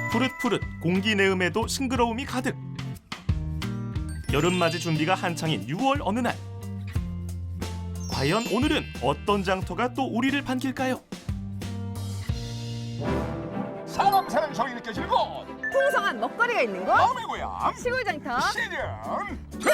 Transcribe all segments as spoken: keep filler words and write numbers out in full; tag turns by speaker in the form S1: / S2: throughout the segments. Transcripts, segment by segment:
S1: 푸릇푸릇 공기 내음에도 싱그러움이 가득. 여름맞이 준비가 한창인 유월 어느 날. 과연 오늘은 어떤 장터가 또 우리를 반길까요?
S2: 사람 사는 정이 느껴지는 곳
S3: 풍성한 먹거리가 있는 곳
S2: 마음의 고향
S3: 시골 장터
S2: 시즌
S3: 투!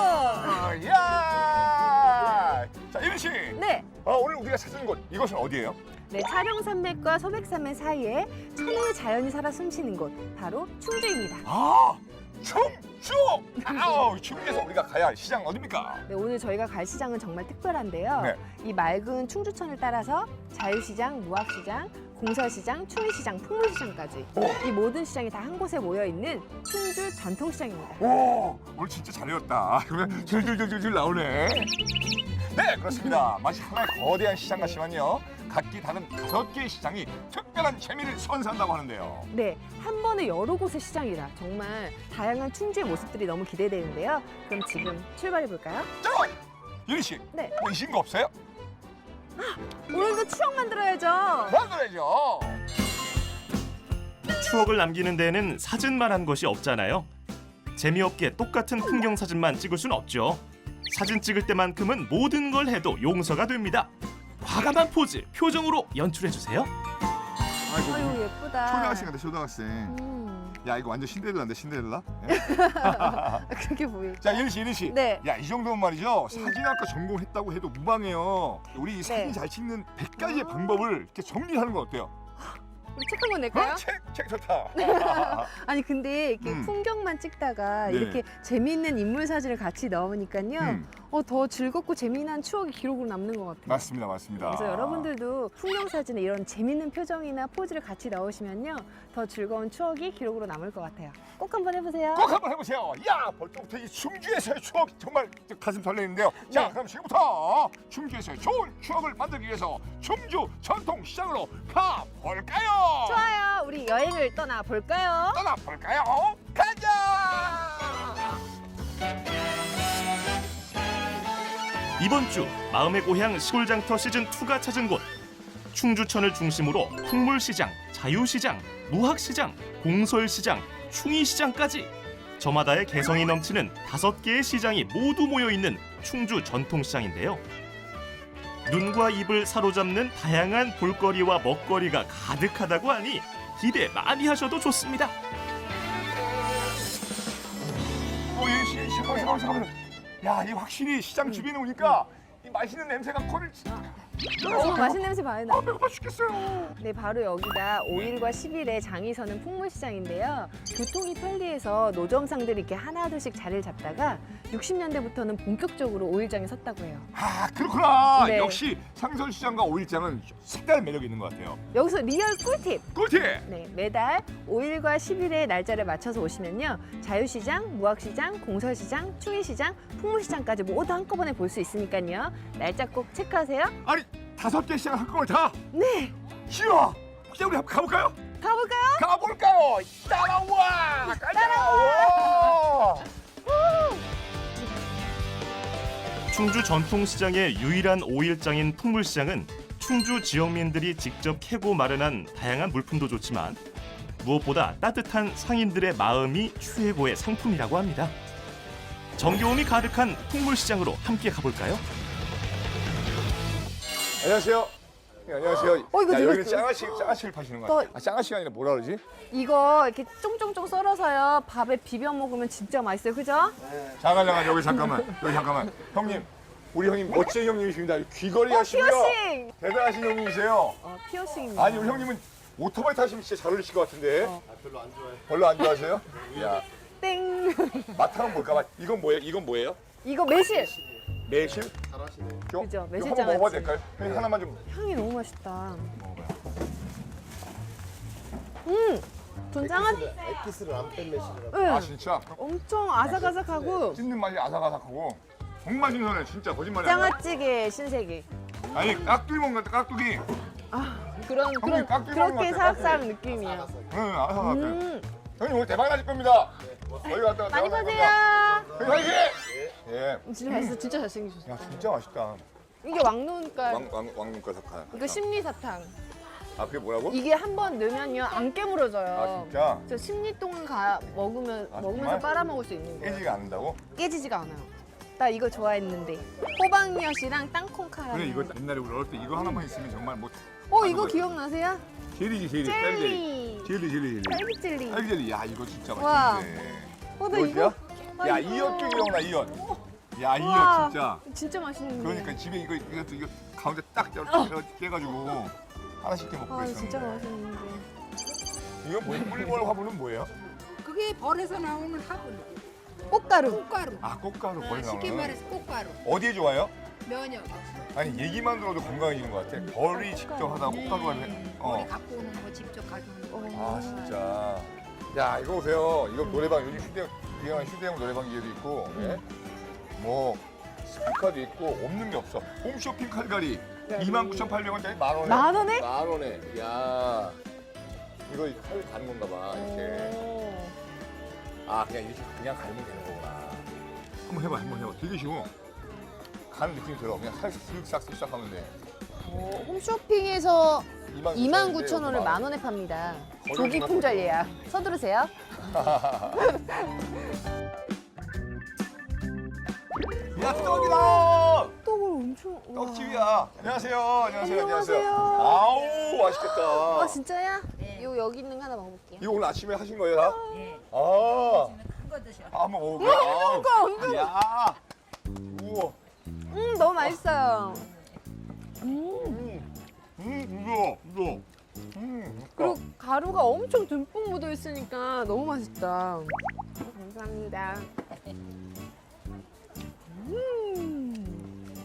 S2: 야! 자, 이른 씨.
S3: 네,
S2: 어, 오늘 우리가 찾은 곳 이곳은 어디예요?
S3: 네 차룡산맥과 소백산맥 사이에 천혜의 자연이 살아 숨쉬는 곳 바로 충주입니다.
S2: 아, 충주. 아우, 충주에서 우리가 가야 할 시장 어디입니까?
S3: 네, 오늘 저희가 갈 시장은 정말 특별한데요.
S2: 네.
S3: 이 맑은 충주천을 따라서 자유시장, 무학시장, 공설시장, 추위시장, 풍물시장까지 이 모든 시장이 다 한 곳에 모여 있는 충주 전통시장입니다.
S2: 오, 오늘 진짜 잘 외웠다. 그러면 줄줄줄줄 나오네. 네, 그렇습니다. 마치 하나의 거대한 시장 같지만요. 각기 다른 다섯 개의 시장이 특별한 재미를 선사한다고 하는데요.
S3: 네, 한 번에 여러 곳의 시장이라 정말 다양한 충주의 모습들이 너무 기대되는데요. 그럼 지금 출발해 볼까요?
S2: 자, 유리 씨.
S3: 네.
S2: 뭐 이신 거 없어요?
S3: 오늘도 추억 만들어야죠.
S2: 만들어야죠.
S1: 추억을 남기는 데에는 사진만 한 것이 없잖아요. 재미없게 똑같은 풍경 사진만 찍을 순 없죠. 사진 찍을 때만큼은 모든 걸 해도 용서가 됩니다. 과감한 포즈, 표정으로 연출해주세요.
S2: 아이고,
S3: 아유 예쁘다.
S2: 초등학생 같아, 초등학생.
S3: 음,
S2: 야, 이거 완전 신데렐라인데, 신데렐라?
S3: 그렇게 보이.
S2: 자, 유리 씨, 유리 씨.
S3: 네.
S2: 야, 이 정도면 말이죠. 사진학과 전공했다고 해도 무방해요. 우리 이 사진
S3: 네.
S2: 잘 찍는 백 가지의 방법을 이렇게 정리하는 건 어때요?
S3: 우리 책 한 권 낼까요?
S2: 어, 책, 책 좋다.
S3: 아니 근데 이렇게
S2: 음.
S3: 풍경만 찍다가
S2: 네.
S3: 이렇게 재미있는 인물 사진을 같이 넣으니까요.
S2: 음.
S3: 어, 더 즐겁고 재미난 추억이 기록으로 남는 것 같아요.
S2: 맞습니다, 맞습니다.
S3: 그래서 여러분들도 풍경 사진에 이런 재밌는 표정이나 포즈를 같이 넣으시면요. 더 즐거운 추억이 기록으로 남을 것 같아요. 꼭 한번 해보세요.
S2: 꼭 한번 해보세요. 야, 벌써부터 이 충주에서의 추억 정말 가슴 설레는데요. 자,
S3: 네.
S2: 그럼 지금부터 충주에서의 좋은 추억을 만들기 위해서 충주 전통시장으로 가볼까요?
S3: 좋아요. 우리 여행을 떠나볼까요?
S2: 떠나볼까요? 가자!
S1: 이번 주 마음의 고향 시골장터 시즌이가 찾은 곳. 충주천을 중심으로 풍물시장, 자유시장, 무학시장, 공설시장, 충이시장까지 저마다의 개성이 넘치는 다섯 개의 시장이 모두 모여있는 충주 전통시장인데요. 눈과 입을 사로잡는 다양한 볼거리와 먹거리가 가득하다고 하니 기대 많이 하셔도 좋습니다.
S2: 어, 예, 씨, 잠깐만, 잠깐만, 잠깐만. 야, 이 확실히 시장 주변에 오니까 이 맛있는 냄새가 코를
S3: 정말 맛있는 냄새 많이
S2: 아,
S3: 나요.
S2: 배고파 죽겠어요.
S3: 네, 바로 여기가 오일과 십일에 장이 서는 풍물시장인데요. 교통이 편리해서 노점상들이 이렇게 하나둘씩 자리를 잡다가 육십 년대부터는 본격적으로 오일장에 섰다고 해요.
S2: 아, 그렇구나.
S3: 네.
S2: 역시 상설시장과 오일장은 색다른 매력이 있는 것 같아요.
S3: 여기서 리얼 꿀팁!
S2: 꿀팁!
S3: 네, 매달 오일과 십일의 날짜를 맞춰서 오시면요. 자유시장, 무학시장, 공설시장, 충이시장, 풍물시장까지 모두 한꺼번에 볼 수 있으니까요. 날짜 꼭 체크하세요.
S2: 아니, 다섯 개 시장 한꺼번에 다?
S3: 네,
S2: 싫어. 혹시 우리 한번 가볼까요?
S3: 가볼까요?
S2: 가볼까요? 따라와! 따라와!
S1: 충주 전통시장의 유일한 오일장인 풍물시장은 충주 지역민들이 직접 캐고 마련한 다양한 물품도 좋지만 무엇보다 따뜻한 상인들의 마음이 최고의 상품이라고 합니다. 정겨움이 가득한 풍물시장으로 함께 가볼까요?
S2: 안녕하세요. 네, 안녕하세요.
S3: 어, 이거
S2: 야,
S3: 누가
S2: 여기는
S3: 또-
S2: 짱아씨, 짱아씨를 파시는 거
S3: 또-
S2: 같아요. 아, 짱아씨가 아니라 뭐라 그러지?
S3: 이거 이렇게 쫑쫑쫑 썰어서요. 밥에 비벼 먹으면 진짜 맛있어요. 그죠?
S2: 잠깐, 잠깐, 여기 잠깐만. 여기 잠깐만. 형님, 우리 형님 멋진 형님이십니다. 귀걸이
S3: 어,
S2: 하시고요.
S3: 피어싱!
S2: 대단하신 형님이세요.
S3: 어, 피어싱입니다.
S2: 아니, 우리 형님은 오토바이 타시면 진짜 잘 어울리실 것 같은데.
S3: 어.
S2: 별로 안 좋아해요. 별로 안 좋아하세요? 야,
S3: 땡!
S2: 맛 한번 볼까 봐. 이건 뭐예요? 이건 뭐예요?
S3: 이거 매실!
S2: 매실?
S3: 그죠,
S2: 이거
S3: 매실
S2: 한번 먹어봐도
S3: 장아찌.
S2: 될까요? 형님 하나만 좀
S3: 향이 너무 맛있다.
S2: 먹어봐요.
S3: 음! 전 장아찌.
S4: 에피스를 안 뺀 매실이라고.
S3: 응.
S2: 아, 진짜?
S3: 엄청 아삭아삭하고
S2: 씹는 맛이 아삭아삭하고 정말 신선해. 진짜 거짓말이 아니야.
S3: 장아찌개 신세계.
S2: 아니, 깍두기 먹는 것 같아, 깍두기.
S3: 아, 그런
S2: 형님,
S3: 그런
S2: 깍두기 먹는
S3: 그렇게
S2: 것 같아,
S3: 사악사악 느낌이야.
S2: 응, 아삭아삭해.
S3: 음,
S2: 형님 오늘 대박 나실 겁니다. 여기 갔다가
S3: 많이
S2: 대박 나실
S3: 보세요.
S2: 겁니다. 형님 화이팅! 예.
S3: 진짜 맛있어, 진짜 잘생기셨어.
S2: 야, 진짜 맛있다.
S3: 이게 왕눈깔,
S2: 왕, 왕, 왕눈깔 사탕.
S3: 이거 심리사탕.
S2: 아 그게 뭐라고?
S3: 이게 한 번 넣으면요 안 깨물어져요.
S2: 아 진짜?
S3: 저 십 리 동안 가 먹으면
S2: 아,
S3: 먹으면서
S2: 정말?
S3: 빨아먹을 수 있는 거예요.
S2: 깨지가 않는다고?
S3: 깨지지가 않아요. 나 이거 좋아했는데 호박엿이랑 땅콩 카라멜.
S2: 그래 이거 옛날에 우리 어릴 때 이거 하나만 있으면 정말 뭐
S3: 어 이거 기억나세요?
S2: 젤리지 젤리
S3: 젤리.
S2: 젤리 젤리 젤리
S3: 딸기 젤리.
S2: 딸기 젤리 야 이거 진짜
S3: 와.
S2: 맛있는데
S3: 어, 나 이거. 아,
S2: 야
S3: 이거.
S2: 이엇도 기억나 이엇 야 이엇
S3: 우와,
S2: 진짜
S3: 진짜 맛있는데.
S2: 그러니까 집에 이거 이것도 이거 가운데 딱 이렇게 깨가지고 하나씩 이렇게 먹고
S3: 아
S2: 있었는데
S3: 진짜 맛있는데.
S2: 이거 뭐 꿀벌 화분은 뭐예요?
S5: 그게 벌에서 나오는 화분,
S3: 꽃가루.
S5: 꽃가루.
S2: 아 꽃가루
S5: 아,
S2: 벌
S5: 쉽게
S2: 나오는
S5: 말해서 꽃가루.
S2: 어디에 좋아요?
S5: 면역.
S2: 아니 얘기만 들어도 건강해지는 것 같아 벌이 직접 하다가 꽃가루가 해
S5: 네.
S2: 어.
S5: 머리 갖고 오는 거 직접 가져오는 거.
S2: 아 진짜 야 이거 보세요 이거 노래방 요즘 휴대 유명한 휴대용 노래방 기계도 있고 예? 뭐 스피커도 있고 없는 게 없어 홈쇼핑 칼갈이 이만 구천팔백 원짜리 만 원에
S3: 만 원에?
S2: 만 원에 야 이거 칼 가는 건가 봐 이렇게
S3: 오.
S2: 아 그냥 이렇게 그냥 갈면 되는 거구나 한번 해봐 한번 해봐 되게 쉬워 가는 느낌이 들어 그냥 살짝 쓱싹 하면 돼
S3: 오, 홈쇼핑에서 이만
S2: 구천
S3: 구천 원을
S2: 원인데
S3: 만 원에 팝니다.
S2: 거의
S3: 조기
S2: 얼마
S3: 품절 예약. 서두르세요.
S2: 야 떡이다
S3: 떡을 엄청. 우와.
S2: 떡집이야. 안녕하세요. 안녕하세요.
S3: 안녕하세요.
S2: 아우 맛있겠다.
S3: 아 진짜야?
S5: 네.
S3: 요 여기 있는 거 하나 먹어볼게요.
S2: 이거 오늘 아침에 하신 거예요, 다?
S5: 예.
S2: 아,
S5: 큰 거 드셔.
S2: 아, 한번 먹어볼게요. 아우.
S3: 엄청.
S2: 야, 우와,
S3: 음 너무 맛있어요. 음.
S2: 음, 음, 부드러, 부드러. 음,
S3: 그리고 가루가 엄청 듬뿍 묻어 있으니까 너무 맛있다. 감사합니다. 음.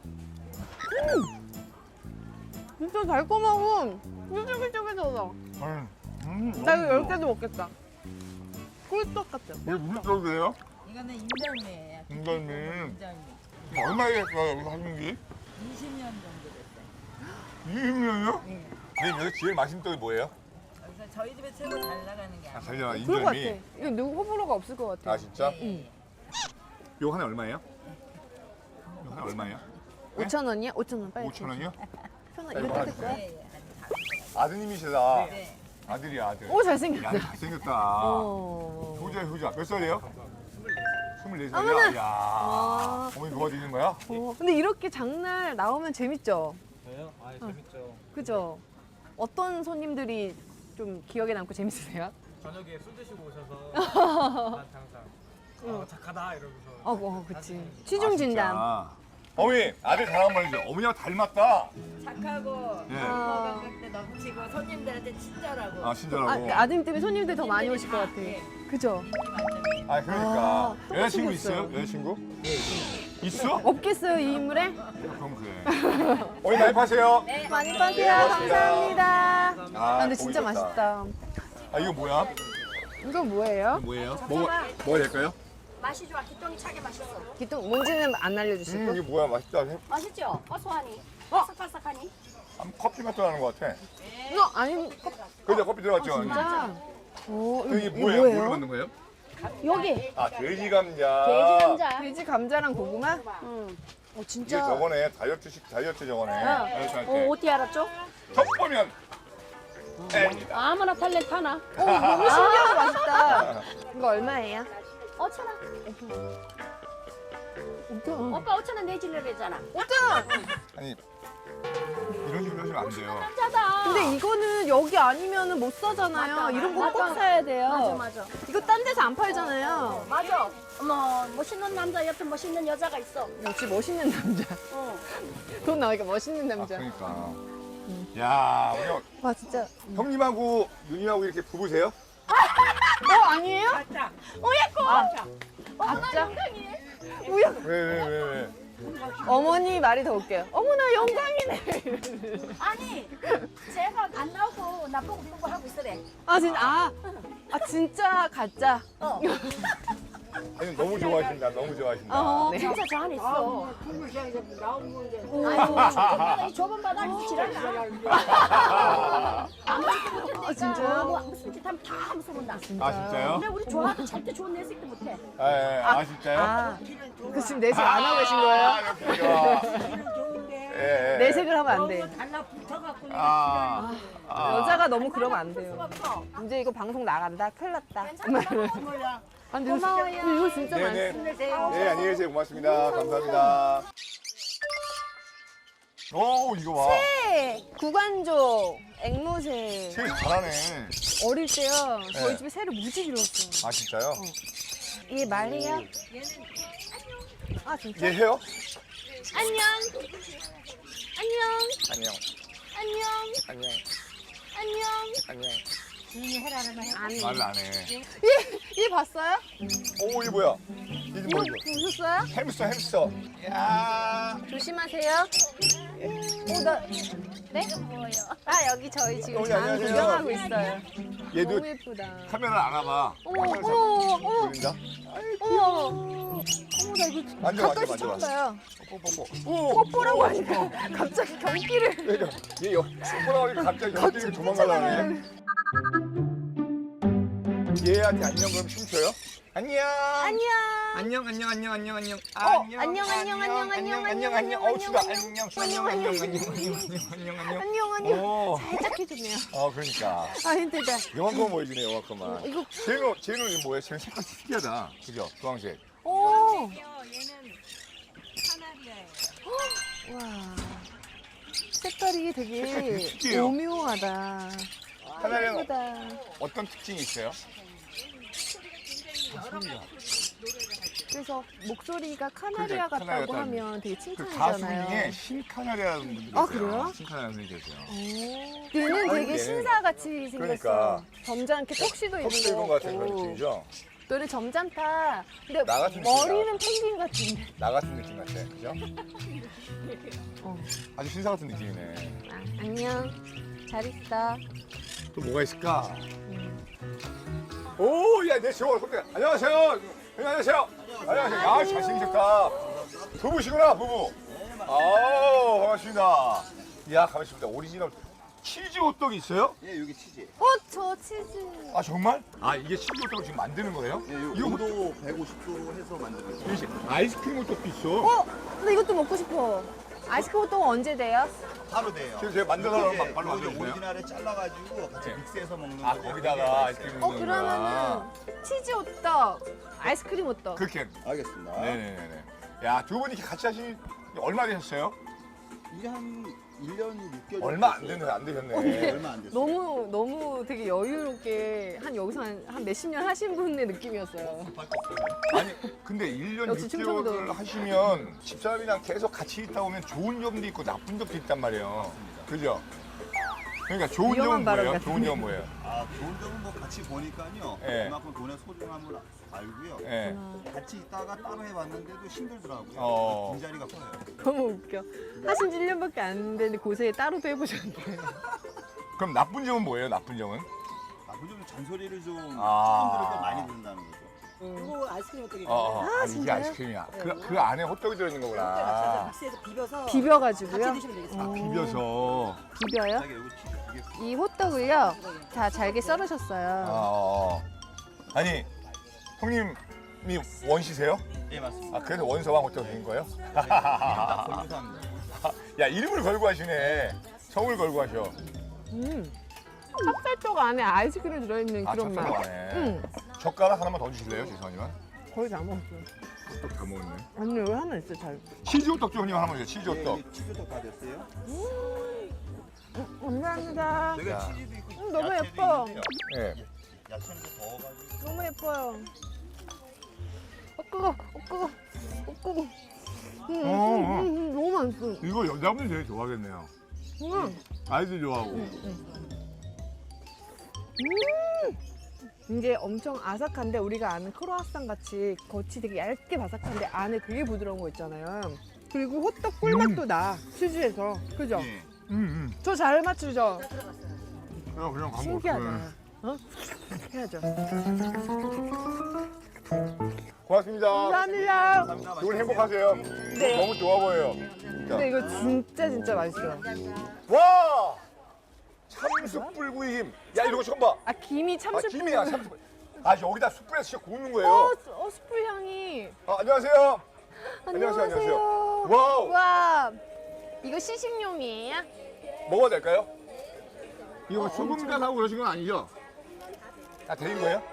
S3: 음. 진짜 달콤하고 쫄깃쫄깃하다.
S2: 음, 음.
S3: 나 이거 열 개도 먹겠다. 꿀떡 같아.
S2: 이게 무슨 떡이에요?
S5: 이거는 인절미예요.
S2: 인절미.
S5: 인절미.
S2: 얼마나 됐어요, 여기서 하신 게?
S5: 이십 년 정도 됐어요.
S2: 이십 년이요?
S5: 예.
S2: 선생님, 여기 제일 맛있는 떡이 뭐예요?
S5: 여기서 저희 집에 최고 잘 나가는 게
S2: 아,
S5: 아마.
S2: 잘 나가,
S3: 그럴 것 같아.
S2: 인절미.
S3: 이거 누구 호불호가 없을 것 같아.
S2: 아, 진짜?
S5: 예, 예.
S2: 이거 하나 얼마예요? 이거 하나 얼마예요?
S3: 오천 원이야? 오천 원 빨리.
S2: 오천 원이요?
S3: 편하
S2: 이거
S3: 이거 뜯을 거야?
S5: 예, 예. 아주
S2: 아드님이시다.
S5: 네.
S2: 아들이야, 아들.
S3: 오
S2: 야,
S3: 잘생겼다.
S2: 잘생겼다.
S3: 어.
S2: 효자, 효자. 몇 살이에요? 스물네
S3: 어머나.
S2: 살이야? 이야.
S3: 아.
S2: 어머니 도와주는 거야?
S3: 어, 근데 이렇게 장날 나오면 재밌죠?
S6: 저요? 아 재밌죠.
S3: 그죠? 어떤 손님들이 좀 기억에 남고 재밌으세요?
S6: 저녁에 술 드시고 오셔서 저한테 항상 어, 착하다 이러면서
S3: 어, 어 그치. 취중 진담.
S2: 아, 어머니, 아들 자랑 한번 해주세요. 어머니하고 닮았다.
S5: 착하고
S2: 예.
S5: 건강할 때 넘치고 손님들한테 친절하고
S2: 아, 친절하고.
S3: 아, 그 아드님 때문에 손님들 더 많이 오실 것 같아.
S5: 예.
S3: 그죠?
S5: 인기 만점이에요.
S2: 아, 그러니까.
S3: 아,
S2: 여자친구
S3: 똑같이
S2: 있어요?
S3: 생겼어요.
S2: 여자친구? 있어?
S3: 없겠어요, 이 인물에?
S2: 그럼 그래. 어머니 많이 파세요.
S5: 네.
S3: 많이 파세요. 감사합니다.
S2: 아,
S3: 아, 근데 진짜
S2: 보기 좋다.
S3: 맛있다.
S2: 아, 이거 뭐야?
S3: 이건 뭐예요?
S2: 이거 뭐예요? 먹어, 먹어야 될까요?
S7: 맛이 좋아. 기똥이 차게 맛있어.
S3: 기똥 뭔지는 안 알려주시고.
S2: 음, 이게 뭐야? 맛있다.
S7: 맛있죠? 고소하니? 바삭바삭하니?
S2: 한 커피 맛도 나는 것 같아.
S3: 이거 아니,
S2: 그죠? 커피 들어갔죠?
S3: 진짜. 오,
S2: 이게
S3: 이거
S2: 뭐예요? 뭘로 만든 거예요?
S7: 여기
S2: 아, 돼지 감자.
S7: 돼지 감자.
S3: 돼지 감자랑 고구마?
S7: 응.
S3: 어,
S2: 이게
S3: 진짜.
S2: 저거네. 다이어트식 다이어트 저거네. 다이어트 할
S7: 어,
S2: 때.
S7: 어떻게 알았죠?
S2: 첫 보면 N이다.
S7: 아무나 탤런트 하나.
S3: 어, 너무 신기하고 맛있다. 이거 얼마예요?
S7: 오천 원.
S3: 오천
S7: 오빠 오천 원 내주려고 했잖아.
S2: 아니 이런 식으로 하시면 안 돼요.
S7: 남자다.
S3: 근데 이거는 여기 아니면 못 사잖아요.
S7: 맞다,
S3: 이런 거 꼭
S7: 맞다.
S3: 사야 돼요.
S7: 맞아 맞아.
S3: 이거 딴 데서 안 팔잖아요.
S7: 맞아. 어머 멋있는 남자 옆에 멋있는 여자가 있어.
S3: 역시 멋있는 남자.
S7: 어.
S3: 돈 나오니까 멋있는
S2: 아,
S3: 남자.
S2: 그러니까. 야, 우리
S3: 와 진짜.
S2: 형님하고 누님하고 이렇게 부부세요?
S3: 어 아니에요?
S5: 맞다.
S3: 아, 진짜? 우야.
S2: 왜 왜 왜 왜?
S3: 어머니 말이 더 웃겨요. 어머나 영광이네.
S7: 아니 제가 안 나오고 나보고 보고 하고 있으래.
S3: 아 진짜 아, 아 진짜 가짜.
S7: 어.
S2: 아니 너무 좋아하신다. 너무 좋아하신다.
S3: 어. 네.
S7: 진짜 저 안에 있어.
S5: 국물시장에서 나온 건데.
S7: 아유 이 좁은 바닥에서 지랄나.
S3: 아 진짜요?
S7: 뭐 무슨 짓 하면 다 무서운다.
S2: 아 진짜요?
S7: 근데 우리 좋아도 절대 좋은 내 새끼 못해.
S2: 아, 예. 아 진짜요?
S3: 아, 그 지금 내색 안 하고 계신 거예요?
S2: 아, 역시 좋아.
S5: 기분 좋은데.
S2: 예, 예.
S3: 내색을 하면 안 돼.
S5: 너무 달라붙어갖고
S2: 아,
S5: 내가
S2: 아.
S3: 여자가 너무 그러면 안 돼요.
S5: 수가 없어.
S3: 이제 이거 방송 나간다. 큰일 났다.
S5: 몰라.
S3: 아, 근데 이거, 이거 진짜
S2: 네네.
S3: 많습니다.
S2: 네, 안녕히 계세요. 고맙습니다. 감사합니다. 오, 이거 봐.
S3: 새, 구간조, 앵무새.
S2: 새 잘하네.
S3: 어릴 때요. 저희
S2: 네.
S3: 집에 새를 무지 길렀어요.
S2: 아, 진짜요?
S3: 얘 말해요? 아, 진짜?
S2: 얘 해요?
S3: 안녕. 안녕.
S2: 안녕.
S3: 안녕.
S2: 안녕.
S3: 안녕.
S2: 안녕.
S5: 주인이 해라는 말 해.
S3: 아니.
S2: 말을 안 해.
S3: 얘, 얘 봤어요?
S2: 오, 이게 뭐야? 이게
S3: 이거
S2: 뭐야? 이거?
S3: 보셨어요?
S2: 햄스터, 햄스터. 야.
S3: 조심하세요. 어, 나, 네? 아, 여기 저희 지금
S2: 여기
S3: 장
S2: 안녕하세요.
S3: 구경하고 있어요.
S2: 얘도
S3: 너무 예쁘다.
S2: 카메라 안 와봐.
S3: 어머, 어머, 어머,
S2: 보인다?
S3: 어머. 어머, 나 이거
S2: 만져,
S3: 가까이서
S2: 만져,
S3: 처음
S2: 만져.
S3: 봐요.
S2: 뽀뽀뽀. 오,
S3: 뽀뽀라고 하니까 갑자기 경기를.
S2: 그러니까 얘 여, 뽀뽀라고 갑자기 여기 도망가려네. 얘한테 안녕 그럼 춤춰요? 안녕.
S3: 안녕.
S2: 안녕 안녕 안녕 안녕 안녕
S3: 어, 안녕, 안녕, 안녕, 안녕, 안녕,
S2: 안녕
S3: 안녕,
S2: 어우 추다
S3: 안녕,
S2: 안녕
S3: 안녕,
S2: 안녕 안녕
S3: 안녕,
S2: 안녕 안녕 안녕
S3: 안녕, 안녕.
S2: 오.
S3: 살짝 해주네요.
S2: 어 그러니까
S3: 아, 힘들다.
S2: 영화만 보여주네 영화만
S3: 이거,
S2: 쟤는 쟤는 뭐야 쟤는 색깔이 특이하다 그죠 주황색
S3: 오.
S5: 얘는 카나리아예요.
S3: 와. 색깔이 되게
S2: 되게 특이해요.
S3: 오묘하다.
S2: 카나리아는
S3: 예쁘다.
S2: 어떤 특징이 있어요?
S3: 그래서 목소리가 카나리아
S2: 그러니까
S3: 같다고
S2: 카나리아
S3: 하면 되게
S2: 그 가수
S3: 칭찬이잖아요.
S2: 중에 신카나리아라는 분들이
S3: 아,
S2: 계세요
S3: 그래요?
S2: 신카나리아 분들이 계세요
S3: 오. 얘는
S2: 아니,
S3: 되게
S2: 얘는-
S3: 신사같이 생겼어.
S2: 그러니까.
S3: 점잖게 턱시도
S2: 턱스
S3: 입은
S2: 입은
S3: 거
S2: 것 같은 그런
S3: 같고.
S2: 느낌이죠?
S3: 너는 점잖다. 근데
S2: 나 같은
S3: 머리는 펭귄 같은데.
S2: 나 같은 느낌 같아 그죠?
S3: 어.
S2: 아주 신사 같은 느낌이네
S3: 아, 안녕. 잘 있어.
S2: 또 뭐가 있을까? 오, 야, 내 저거 손대. 안녕하세요. 안녕하세요. 안녕하세요. 야, 잘생기셨다. 부부시구나, 부부. 아, 반갑습니다. 야, 가만있습니다. 오리지널 치즈 호떡이 있어요?
S4: 예, 여기 치즈.
S3: 어, 저 치즈.
S2: 아, 정말? 아, 이게 치즈 호떡을 지금 만드는 거예요?
S4: 예, 요
S2: 이거
S4: 온도 백오십 도로 해서 만드는 거예요.
S2: 혹시 아이스크림 호떡도 있어?
S3: 어, 나 이것도 먹고 싶어. 아이스크림 호떡은 언제 돼요?
S4: 바로 돼요.
S2: 지금 제가 만들어서
S4: 이게
S2: 바로
S4: 이거 이제
S2: 만들어주세요.
S4: 오리지널에 잘라가지고 같이
S2: 네.
S4: 믹스해서 먹는
S2: 아,
S4: 거고.
S2: 거기다가 아이스크림
S3: 어,
S2: 넣는 거야.
S3: 그러면은 치즈 호떡, 아이스크림 호떡.
S2: 그렇게.
S4: 알겠습니다.
S2: 네네네. 야, 두 분이 이렇게 같이 하신 얼마 되셨어요?
S4: 이게 한 일 년 육 개월.
S2: 얼마 안 되네, 안 되셨네.
S4: 네, 얼마 안 됐어요.
S3: 너무 너무 되게 여유롭게 한 여기서 한, 한 몇십 년 하신 분의 느낌이었어요.
S2: 아니 근데 일 년
S3: 역시
S2: 육 개월을
S3: 충청도.
S2: 하시면 집사람이랑 계속 같이 있다 보면 좋은 점도 있고 나쁜 점도 있단 말이에요. 그죠? 그러니까 좋은
S3: 위험한
S2: 점은
S3: 발언
S2: 뭐예요?
S3: 같은데.
S2: 좋은 점은 뭐예요?
S4: 아, 좋은 점은 뭐 같이 보니까요.
S2: 예.
S4: 그만큼 돈의 소중함을 알고요.
S2: 예.
S4: 같이 있다가 따로 해봤는데도 힘들더라고요.
S2: 어.
S4: 빈자리가 커요.
S3: 너무 웃겨. 하신 지 일 년밖에 안 됐는데 고세 따로도 해보셨는데.
S2: 그럼 나쁜 점은 뭐예요? 나쁜 점은?
S4: 나쁜 점은 잔소리를 좀
S2: 아.
S4: 사람들에게 많이 듣는다는 거죠.
S5: 이거 아이스크림 호떡이
S2: 어, 어.
S3: 아,
S2: 아, 이게
S3: 진짜요?
S2: 아이스크림이야. 그, 그 안에 호떡이 들어있는 거구나.
S5: 믹스해서 비벼서
S3: 비벼가지고요.
S5: 같이 드시면 되겠어요.
S3: 어,
S2: 비벼서.
S3: 비벼요?
S4: 자기 여기 치즈 두 개.
S3: 이 호떡을요. 다 잘게 썰으셨어요.
S2: 아, 어, 어. 아니, 형님이 원시세요?
S4: 예, 맞습니다.
S2: 아, 그래서 원서왕 호떡 된 거예요?
S4: 딱 걸려서 합니다.
S2: 야, 이름을 걸고 하시네. 성을 걸고 하셔.
S3: 음. 찹쌀떡 안에 아이스크림 들어있는
S2: 아,
S3: 그런 맛.
S2: 찹쌀떡 안에.
S3: 응.
S2: 젓가락 하나만 더 주실래요, 죄송하지만?
S3: 거의 다 먹었어요.
S2: 호떡 다 먹었네.
S3: 아니 여기 하나 있어 잘.
S2: 치즈 호떡 좀 형님 하나만 주세요. 치즈
S4: 예,
S2: 호떡.
S4: 여기 치즈도 다 됐어요.
S3: 감사합니다.
S4: 내가
S2: 야.
S4: 치즈도 있고
S3: 음, 너무
S4: 야채도
S3: 예뻐.
S4: 있는데요.
S2: 예.
S4: 야채는 좀 더워가지고.
S3: 너무 예뻐요. 어 뜨거, 어 뜨거, 어 뜨거. 음, 음,
S2: 어,
S3: 음,
S2: 어.
S3: 음, 너무 맛있어.
S2: 이거 여자분이 되게 좋아하겠네요.
S3: 음.
S2: 아이들 좋아하고.
S3: 이게 엄청 아삭한데 우리가 아는 크로아상 같이 겉이 되게 얇게 바삭한데 안에 되게 부드러운 거 있잖아요. 그리고 호떡 꿀맛도 나 치즈에서 그죠?
S4: 예.
S2: 음, 음.
S3: 저 잘 맞추죠?
S2: 그냥 그냥 광고.
S3: 신기하다. 어? 해야죠.
S2: 고맙습니다.
S3: 감사합니다.
S2: 두 분 행복하세요.
S3: 네.
S2: 너무 좋아 보여요. 진짜.
S3: 근데 이거 진짜 진짜 맛있어요.
S2: 와! 참숯 불구이 김. 야, 이거 처음 봐.
S3: 아 김이
S2: 아,
S3: 참숯.
S2: 김이야, 참숯. 아, 여기다 숯불에서 진짜 구우는 거예요.
S3: 어, 수- 어 숯불 향이.
S2: 아, 안녕하세요. 안녕하세요, 안녕하세요. 와우.
S3: 와. 이거 시식용이에요?
S2: 먹어도 될까요? 이거 소금간하고 그러신 건 아니죠? 다 데인 거예요?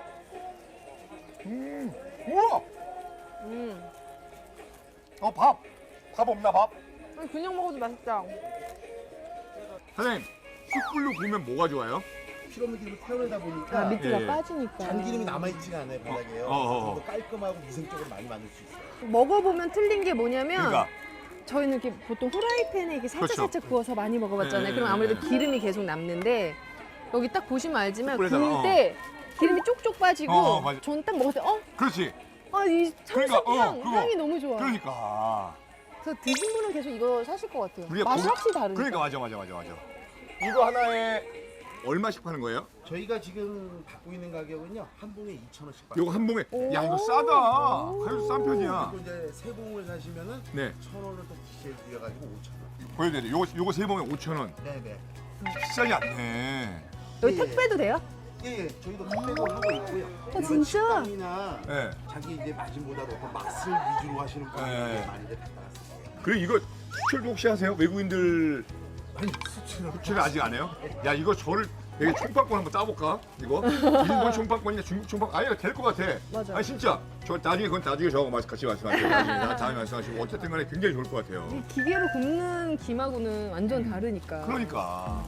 S2: 음, 우와!
S3: 음.
S2: 어, 밥! 밥 없나, 밥?
S3: 아니, 그냥 먹어도 맛있다.
S2: 사장님, 숯불로 구우면 뭐가 좋아요?
S4: 피로물 기름을 태우다 보니까
S3: 아, 밑에가
S2: 예.
S3: 빠지니까.
S4: 잔기름이 남아있지가 않아요 바닥에요.
S2: 어, 어, 어.
S4: 좀 더 깔끔하고 위생적으로 많이 만들 수 있어요.
S3: 먹어보면 틀린 게 뭐냐면
S2: 그러니까.
S3: 저희는 이렇게 보통 후라이팬에 이렇게 살짝
S2: 그렇죠.
S3: 살짝 구워서 많이 먹어봤잖아요.
S2: 네,
S3: 그럼
S2: 네,
S3: 아무래도
S2: 네.
S3: 기름이 계속 남는데 여기 딱 보시면 알지만
S2: 숯불에다가,
S3: 구울
S2: 어.
S3: 때 기름이 쪽쪽 빠지고
S2: 어, 어, 맞아.
S3: 전 딱 먹었을 때 어?
S2: 그렇지.
S3: 아, 이
S2: 그러니까,
S3: 참숯
S2: 어,
S3: 향,
S2: 그거.
S3: 향이 너무 좋아.
S2: 그러니까.
S3: 그래서 드신 분은 계속 이거 사실 것 같아요.
S2: 우리가
S3: 맛이
S2: 고기-
S3: 확실히 다르니까.
S2: 그러니까, 맞아, 맞아, 맞아, 맞아. 이거 하나에 얼마씩 파는 거예요?
S4: 저희가 지금 받고 있는 가격은요 한 봉에 이천 원씩 받고.
S2: 요거 한 봉에.
S3: 오.
S2: 야, 이거 싸다. 가격 싼 편이야.
S4: 그리고 이제 세 봉을 사시면은
S2: 네.
S4: 천 원을 또 기시해 드려가지고 오천 원.
S2: 보여드려요. 요거, 요거 세 봉에 오천 원.
S4: 네네.
S2: 비싸지 않네.
S3: 여기
S4: 예,
S3: 택배도 돼요?
S4: 예, 예, 저희도 택배도 하고 있고요.
S3: 어,
S4: 이런
S3: 진짜?
S4: 식당이나
S2: 네.
S4: 자기 이제 마진보다 높은 맛을 위주로 하시는 분들이
S2: 네.
S4: 많이들 갖다 놨어요.
S2: 그리고 이거 수출도 혹시 하세요? 외국인들
S4: 아니 수치는
S2: 수출을 아직 안 해요? 야, 이거 저를 되게 총파권 한번 따볼까? 이거? 일본 총파권이냐 중국 총파권? 아니, 될 것 같아.
S3: 맞아.
S2: 아니, 진짜. 저 나중에 그건 나중에 저하고 같이 말씀하세요. 나중에 나 다음에 말씀하시고. 어쨌든 간에 굉장히 좋을 것 같아요.
S3: 이 기계로 굽는 김하고는 완전 다르니까.
S2: 그러니까.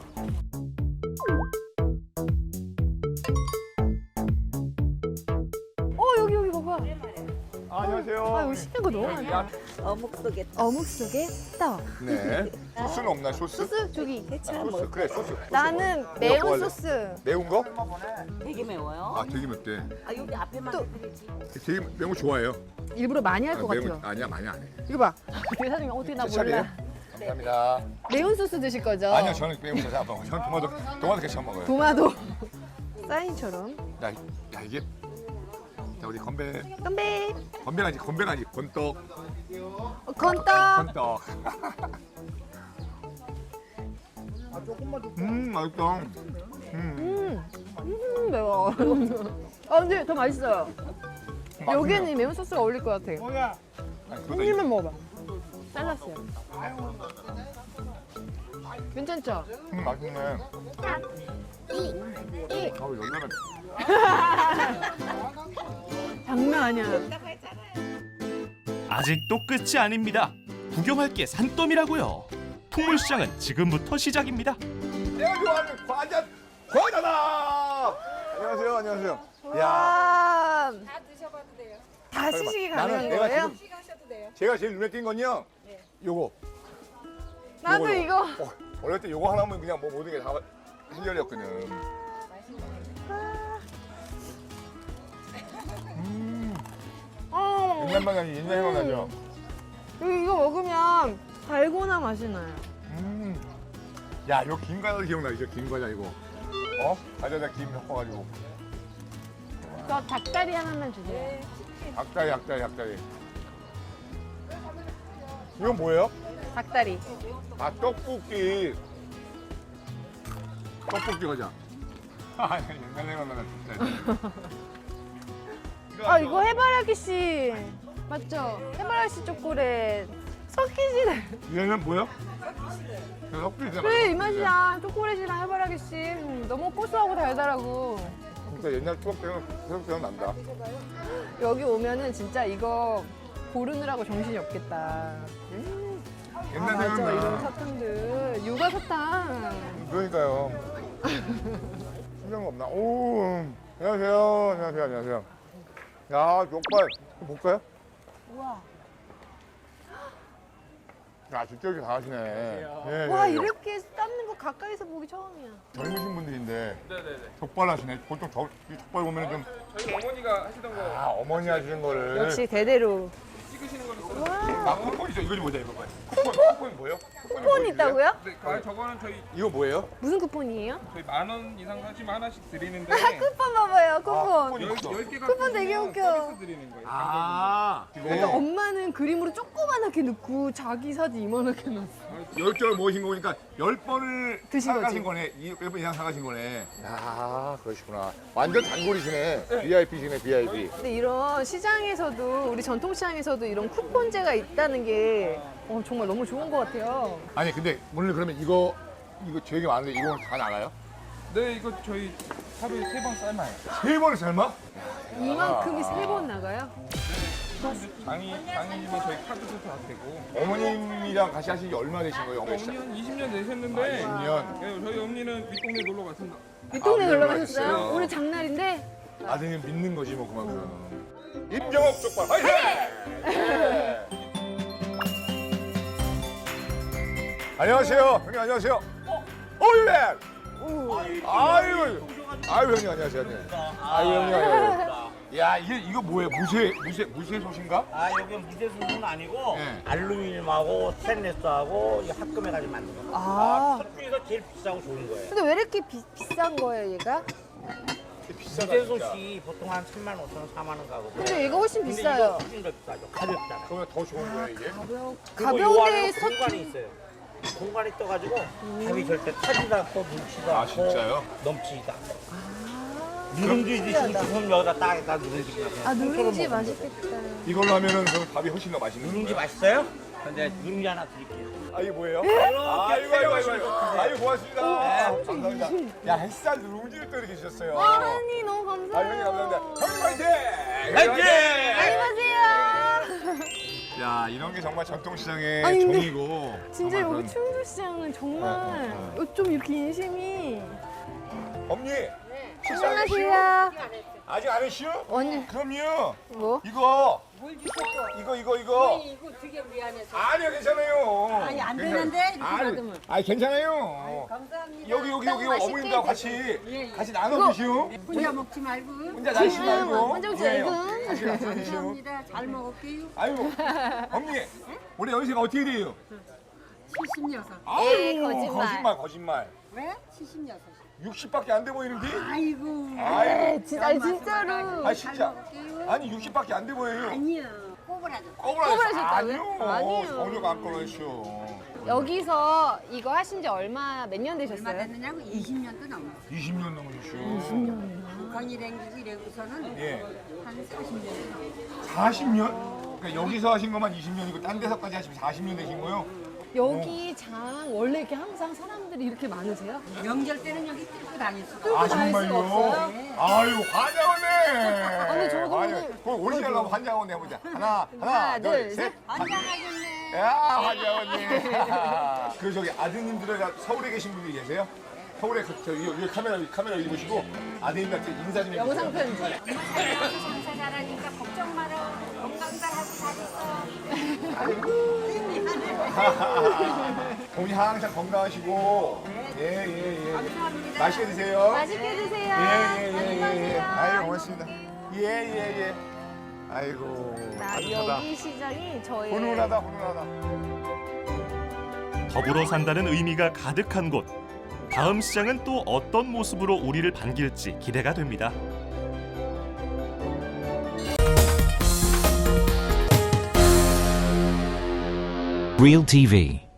S3: 어, 여기 여기 봐봐.
S2: 아, 안녕하세요.
S3: 아, 여기 시킨 거 너무 많아.
S5: 어묵 속에
S3: 어묵 속에 떡.
S2: 네. 소스는 없나요, 소스?
S3: 소스 저기.
S2: 소스. 그래, 소스. 소스.
S3: 나는
S2: 뭐
S3: 매운
S2: 할래?
S3: 소스.
S2: 매운 거?
S5: 되게 매워요.
S2: 아, 되게 맵대.
S5: 아 여기 앞에만
S3: 또-
S5: 드리지.
S2: 되게 매운 거 좋아해요.
S3: 일부러 많이 할
S2: 아,
S3: 것
S2: 매운
S3: 같아요.
S2: 거 아니야, 많이 안 해.
S3: 이거 봐. 대사님이 어떻게 나
S2: 제 차례예요?
S3: 몰라.
S2: 감사합니다.
S3: 매운 소스 드실 거죠?
S2: 아니요, 저는 매운 거 잘 안 먹어요. 저는 토마토, 토마토 케첩 먹어요.
S3: 도마도 사인처럼.
S2: 야, 이- 야 이게 자 우리 건배
S3: 건배.
S2: 건배가 아니지 건배가 아니지 건떡
S3: 어, 건떡.
S2: 건떡. 음 맛있다. 음.
S3: 음, 음 매워. 아 근데 더 맛있어요. 여기에는 이 매운 소스가 어울릴 것 같아.
S2: 아니, 그러다
S3: 한 입만 먹어봐. 잘랐어요. 괜찮죠?
S2: 이- 음 맛있네.
S3: 이
S2: 아우 열나면
S3: 장난 아니야.
S1: 아직도 끝이 아닙니다. 구경할 게 산더미라고요. 풍물시장은 지금부터 시작입니다.
S2: 내가 좋아하는 과자 과자다. 안녕하세요, 안녕하세요. 야,
S3: 와,
S5: 다 드셔봐도 돼요.
S3: 다 시식이
S2: 나는
S3: 가능한
S2: 내가
S3: 거예요?
S2: 지금
S5: 하셔도 돼요.
S2: 제가 제일 눈에 띈 건요. 요거.
S3: 나도
S2: 요거요.
S3: 이거.
S2: 어, 어릴 때 요거 하나면 그냥 뭐 모든 게 다 해결이었거든.
S3: 어,
S2: 옛날 맛이 옛날 생각 나죠.
S3: 이거, 이거 먹으면 달고나 맛이 나요.
S2: 음. 야, 이거 김 과자 기억나죠? 김 과자 이거. 어? 과자에다 김 섞어가지고.
S3: 저 닭다리 하나만 주세요.
S2: 닭다리, 닭다리, 닭다리. 이건 뭐예요?
S3: 닭다리.
S2: 아, 떡볶이. 떡볶이 과자. 아, 옛날 생각나네, 진짜.
S3: 아 이거 해바라기 씨 맞죠? 해바라기 씨 초콜릿 섞이지네.
S2: 얘는 뭐야? 떡볶이잖아.
S3: 그래 이 맛이야. 초콜릿이랑 해바라기 씨 음, 너무 고소하고 달달하고.
S2: 진짜 옛날 추억 때는 계속 생각난다.
S3: 여기 오면은 진짜 이거 고르느라고 정신이 없겠다. 음. 아
S2: 옛날
S3: 맞아 이런
S2: 생각나.
S3: 사탕들 육아 사탕.
S2: 그러니까요. 신경 없나? 오, 안녕하세요. 안녕하세요. 안녕하세요. 야, 족발. 이거 볼까요?
S3: 우와.
S2: 야, 진짜 이렇게 다 하시네. 예,
S3: 와
S2: 예, 예.
S3: 이렇게 삶는 거 가까이서 보기 처음이야.
S2: 젊으신 분들인데
S6: 네네네.
S2: 족발 하시네. 보통 저, 이 족발 보면 좀,
S6: 저희 어머니가 하시던 거
S2: 아, 어머니 하시는 거를.
S3: 역시 대대로.
S6: 찍으시는 거는 써.
S3: 와.
S2: 아, 쿠폰 있어. 이거 좀 보자, 이거 봐요. 쿠폰, 쿠폰 뭐예요? 쿠폰이
S3: 쿠폰 있다고요?
S6: 네, 아, 저거는 저희
S2: 이거 뭐예요?
S3: 무슨 쿠폰이에요?
S6: 저희 만 원 이상 사시면 하나씩 드리는데
S3: 쿠폰 봐봐요
S2: 아,
S3: 쿠폰.
S2: 쿠폰이 있어.
S6: 열 개
S3: 쿠폰 되게 웃겨.
S6: 서비스 드리는 거예요.
S2: 아,
S3: 그러니까
S2: 이거
S3: 엄마는 그림으로 조그만하게 넣고 자기 사진 이만하게 넣었어.
S2: 열 개를 모으신 거니까 열 번을
S3: 드신
S2: 사가신
S3: 거지.
S2: 거네. 열 번 이상 사가신 거네. 야, 그러시구나. 완전 단골이시네. 브이아이피시네, 브이아이피.
S3: 근데 이런 시장에서도 우리 전통시장에서도 이런 쿠폰제가 있다는 게 어, 정말 너무 좋은 것 같아요.
S2: 아니 근데 오늘 그러면 이거 이거 되게 많은데 이거 다 나가요?
S6: 네, 이거 저희 하루에 세 번 삶아요.
S2: 세 번을 삶아?
S3: 이만큼이 세 번 나가요?
S6: 장이, 장이지만 저희 카드도 다 되고.
S2: 어머님이랑 같이 하신 지 얼마 되신 거예요? 어머니
S6: 어머니
S2: 시작.
S6: 한 이십 년 되셨는데.
S2: 아, 이십 년.
S6: 네, 저희 어머니는 윗동네 놀러 갔습니다.
S3: 윗동네
S2: 아,
S3: 놀러
S2: 놀러
S3: 가셨어요?
S2: 가셨어요.
S3: 오늘 장날인데?
S2: 아드님 믿는 거지 뭐 그만큼. 임정업 족발 화이팅! 네. 안녕하세요. 형님 안녕하세요. 어, 예. 아유, 아유 형님 안녕하세요. 형님. 아유 형님. 아유. 야 이게 이거 뭐예요? 무쇠 무쇠 무쇠 솥인가?
S8: 아 여기 무쇠수는 아니고
S2: 네.
S8: 알루미늄하고 스테인레스하고 이 합금해가지고 만든 겁니다.
S3: 아.
S8: 첫 중에서 제일 비싸고 좋은 거예요.
S3: 근데 왜 이렇게 비, 비싼 거예요, 얘가?
S2: 비싸다 진짜.
S8: 무쇠솥이 보통 한 삼만 오천 원, 사만 원 가고.
S3: 근데 얘가 훨씬
S8: 근데
S3: 비싸요.
S8: 이거 훨씬 더 비싸죠. 가볍잖아요.
S2: 그러면 더 좋은 거야 이게?
S3: 가벼,
S8: 그리고 요
S3: 가벼운데
S8: 안에
S3: 석
S8: 공간이 있어요. 공간이 떠가지고 밥이 절대 타지도 않고 뭉치도
S2: 아,
S8: 않고
S2: 진짜요?
S8: 넘치지도 않고.
S3: 아,
S8: 누룽지 드시고 싶으면 여기다 딱딱 누룽지 그냥
S3: 아, 누룽지
S8: 통째로 먹으면
S3: 맛있겠다.
S2: 이걸로 하면은 그럼 밥이 훨씬 더 맛있는
S8: 누룽지
S2: 거야.
S8: 맛있어요? 근데 누룽지 하나 드릴게요.
S2: 아 이게 뭐예요?
S8: 이렇게
S2: 아이고 아이고 아이고 아이고. 아이고 고맙습니다.
S8: 네.
S2: 감사합니다. 야 햇살 누룽지를 또 이렇게 주셨어요.
S3: 아니, 너무
S2: 아
S3: 감사해요.
S2: 형님 감사합니다. 형님 화이팅!
S8: 화이팅!
S3: 안녕하세요.
S2: 야 이런 게 정말 전통시장의
S3: 아니, 근데
S2: 종이고.
S3: 진짜
S2: 정말
S3: 여기
S2: 그런-
S3: 충주시장은 정말
S2: 어, 어,
S3: 좀 이렇게 인심이.
S2: 엄니 식사 안 했시오?
S3: 안녕하세요.
S2: 아직 안 했시오?
S3: 언니,
S2: 그럼요.
S3: 뭐?
S2: 이거 이거 이거 이거
S7: 이거 되게 미안해서.
S2: 아니요 괜찮아요.
S7: 아니, 안
S2: 괜찮아요.
S7: 되는데, 이렇게
S2: 아니,
S7: 받으면.
S2: 아니 괜찮아요.
S7: 감사합니다.
S2: 여기 여기 여기
S3: 맛있게
S2: 어머님과 같이 같이 나눠 드시오.
S7: 혼자 먹지 말고.
S2: 혼자 나시 말고.
S3: 혼자 먹지 말고.
S2: 예, 같이 나눠 드시오.
S7: 감사합니다. 잘 먹을게요.
S2: 아이고 엄니 올해 연세가 어떻게 돼요?
S7: 칠십육.
S2: 아유,
S3: 에이, 거짓말.
S2: 거짓말 거짓말.
S7: 왜? 칠십육.
S2: 육십밖에 안 돼 보이는데?
S7: 아이고.
S2: 아이고.
S3: 진짜, 아니, 진짜로.
S2: 아 진짜. 아니 육십밖에 안 돼 보여요.
S7: 아니야. 꼬부라져.
S2: 꼬부라졌어요.
S3: 꼬부라졌다고요?
S2: 아니요.
S3: 아니에요.
S2: 전혀 안 꼬부라졌어.
S3: 여기서 이거 하신 지 얼마, 몇 년
S7: 얼마
S3: 되셨어요?
S7: 됐느냐고 이십 년도 넘었어.
S2: 이십 년 넘으셨어.
S7: 북한이 댕기고 이래고서는
S2: 예.
S7: 한 사십 년.
S2: 사십 년? 그러니까 여기서 하신 것만 이십 년이고 딴 데서까지 하시면 사십 년 되신 거요?
S3: 여기 장 원래 이렇게 항상 사람들이 이렇게 많으세요?
S7: 명절 때는 여기 뚫고 다닐 수가
S3: 뚫고
S2: 아
S3: 다닐 수가
S2: 정말요?
S3: 없어요?
S2: 아유 환장하네.
S3: 아니, 저도
S2: 아유,
S3: 오늘-
S2: 그거 오리지널 한번 환장하네 해보자. 하나 하나,
S3: 하나,
S2: 둘,
S3: 둘,
S2: 셋.
S3: 셋.
S7: 환장하겠네.
S2: 야 환장하네. 그 저기 아드님들은 다 서울에 계신 분들이 계세요? 서울에 그, 저, 이, 이 카메라 카메라 여기 보시고 아드님한테 인사 좀 해주세요.
S3: 영상 편지.
S7: 장사 잘하니까 걱정 마라. 건강 잘 하고 잘 있어.
S2: 어머니 항상 건강하시고 예예 예.
S7: 감사합니다.
S2: 맛있게 드세요.
S3: 맛있게 드세요.
S2: 예예예예.
S3: 안녕히
S2: 예,
S3: 가세요.
S2: 아유 고맙습니다. 예예 예. 아이고
S3: 나
S2: 따뜻하다.
S3: 여기 시장이 저의
S2: 훈훈하다 훈훈하다.
S1: 더불어 산다는 의미가 가득한 곳. 다음 시장은 또 어떤 모습으로 우리를 반길지 기대가 됩니다.
S9: Real T V.